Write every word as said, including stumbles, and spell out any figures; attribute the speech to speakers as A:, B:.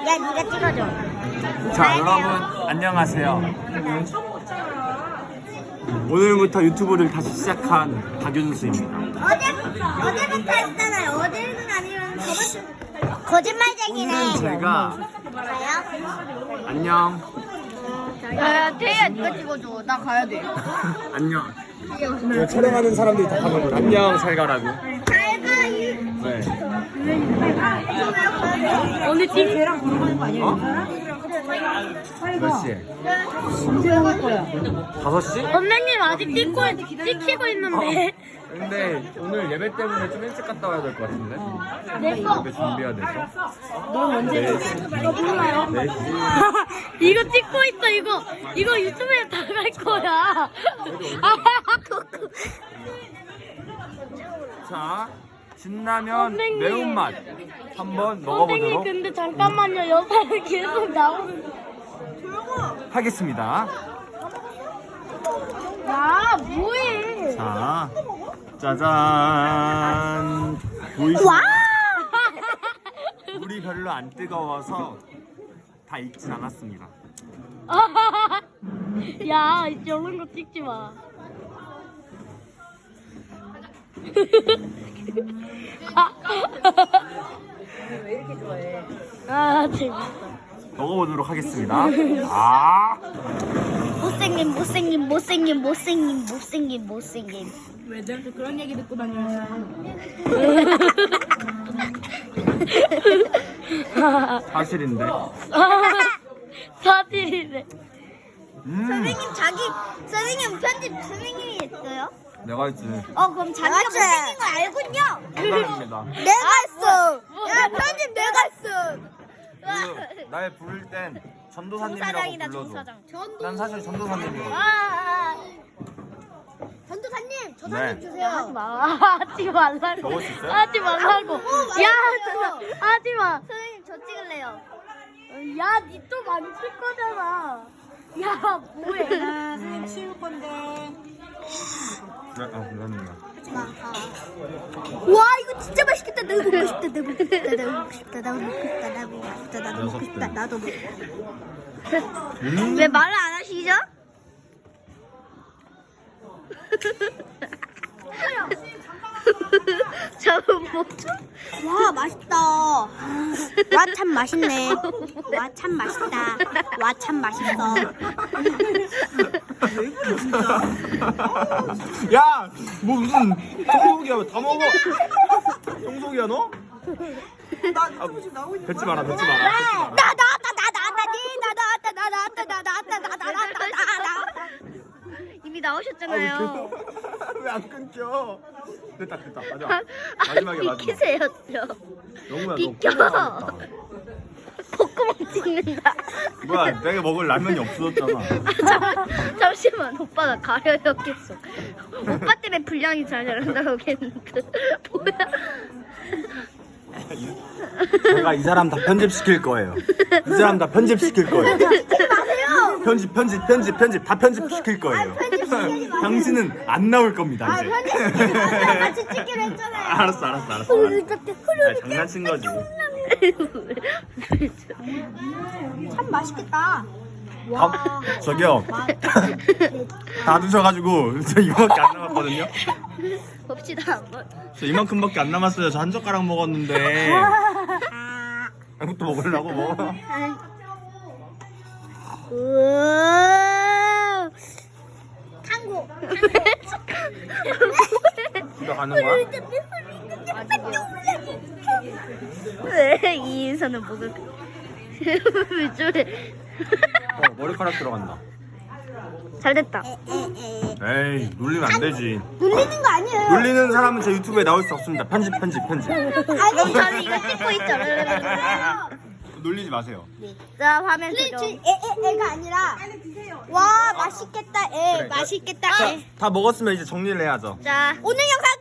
A: 야, 네가 찍어줘.
B: 자, 여러분 안녕하세요. 오늘부터 유튜브를 다시 시작한 박윤수입니다.
A: 어제, 어제부터 했잖아요. 어제는 아니면 저번 거짓말쟁이네.
B: 오늘은 제가
A: 가요?
B: 안녕.
C: 야, 태희야, 네가 찍어줘. 나 가야 돼.
B: 안녕. 촬영하는 사람들이 다 하는 거 안녕 잘 가라고.
A: 잘 가, 이.
B: 네.
C: 오늘 팀 쟤랑 걸어가는 거 아니야?
B: 어? 몇 시에?
C: 언제 갈 거야?
B: 다섯 시?
C: 선생님 아직 찍고 찍히고 있는데.
B: 근데 오늘 예배 때문에 좀 일찍 갔다 와야 될 것 같은데.
C: 내 거.
B: 예배 준비해야 돼서.
C: 넌 언제?
B: 네 시.
C: 너 몰라요?
B: 네 시.
C: 이거 찍고 있어 이거. 이거 유튜브에 다 갈 거야.
B: 자, 진라면
C: 선생님.
B: 매운맛 한번
C: 선생님
B: 먹어보도록
C: 근데 잠깐만요. 여사를 계속 나오는.
B: 하겠습니다.
C: 야 뭐해?
B: 자, 짜잔. 보이시나요? 물이 별로 안 뜨거워서 다 익진 않았습니다.
C: 야 저런 거 찍지 마. 왜 이렇게 좋아해? 아 재밌어.
B: 먹어보도록 하겠습니다. 아,
A: 못생김, 못생김, 못생김, 못생김, 못생김, 못생김.
C: 왜 내한테 그런 얘기 듣고 다니냐?
B: 사실인데.
C: 사실이네.
B: 음,
A: 선생님, 자기, 선생님 편집 선생님이 했어요?
B: 내가 했지.
A: 어, 그럼 자기가 못생긴 거 알군요?
B: 장난입니다.
A: 내가 했어. 야, 편집 내가 했어.
B: 그, 날 부를 땐 전도사님이라고
A: 정사장이다,
B: 불러줘.
A: 정사장.
B: 난 사실 전도사님이거든.
A: 아, 전도사님, 저 사진
B: 네.
A: 주세요.
C: 하지 마. 하지 말라고.
B: 먹을 수 있어요?
C: 하지 말라고.
A: 맛있어요.
C: 야, 진짜 하지 마.
A: 선생님, 저 찍을래요.
C: 야, 니 또 만질 거잖아. 야, 뭐해?
A: 아,
C: 치울 건데.
B: 네, 아, 감사합니다.
A: 와, 이거 진짜 맛있겠다. 나도 먹고 싶다. 나도 먹고 싶다. 나도 먹고 싶다. 나도 먹고 싶다. 나도 먹고 싶다. 나도 먹고 싶다. 나도 먹고 싶다.
B: 음,
A: 왜 말을 안 하시죠? 저는 뭐죠? 와, 맛있다. 와, 참 맛있네. 와, 참 맛있다. 와, 참 맛있어.
B: 야, 뭐 무슨 청소기야? 다 먹어. 청소기야 너? 나 유튜브 지금 나오고 있는 거야. 뱉지 마라, 뱉지 마라. 뱉지 마라.
A: 나 나왔다. 나 나왔다. 나 나왔다. 나 나왔다. 나 나왔다. 나 나왔다. 나 나왔다. 이미 나오셨잖아요.
B: 왜 안 끊겨? 됐다, 됐다. 마지막. 마지막에 마지막.
A: 비키세요, 좀.
B: 영우야, 너
A: 비켜.
B: 콧나갔다.
A: 콧구멍 찍는다.
B: 뭐야, 내가 먹을 라면이 없어졌잖아.
A: 잠, 잠시만, 오빠가 가려요 계속. 오빠 때문에 분량이 잘 나간다고 했는데 뭐야?
B: 제가 이 사람 다 편집시킬 거예요. 이 사람 다 편집시킬 거예요.
A: 마세요.
B: 편집, 편집, 편집, 편집 다 편집시킬 거예요. 당신은 안 나올 겁니다, 이제.
A: 같이 찍기로 했잖아요.
B: 알았어, 알았어, 알았어. 아, 장난친 거지.
A: 참 맛있겠다.
B: 다, 저기요. 다 드셔가지고 저 이거밖에 안 남았거든요.
A: 봅시다 한번.
B: 저 이만큼밖에 안 남았어요. 저 한 젓가락 먹었는데. 이것도 먹으려고 먹어.
A: 우와. 탕고.
B: 집에 가는 거야?
A: 왜 이 인사는 목을 왜 저래?
B: 어, 머리카락 들어간다.
A: 잘 됐다.
B: 에이, 놀리면 안 되지.
A: 놀리는 거 아니에요.
B: 놀리는 사람은 제 유튜브에 나올 수 없습니다. 편집, 편집, 편집.
A: 아니 저는 이거 찍고 있죠.
B: 놀리지 마세요.
A: 자 화면 조정. 에, 에, 애가 아니라. 와 맛있겠다. 에
B: 그래,
A: 맛있겠다.
B: 자,
A: 에.
B: 다 먹었으면 이제 정리를 해야죠.
A: 자 오늘 영상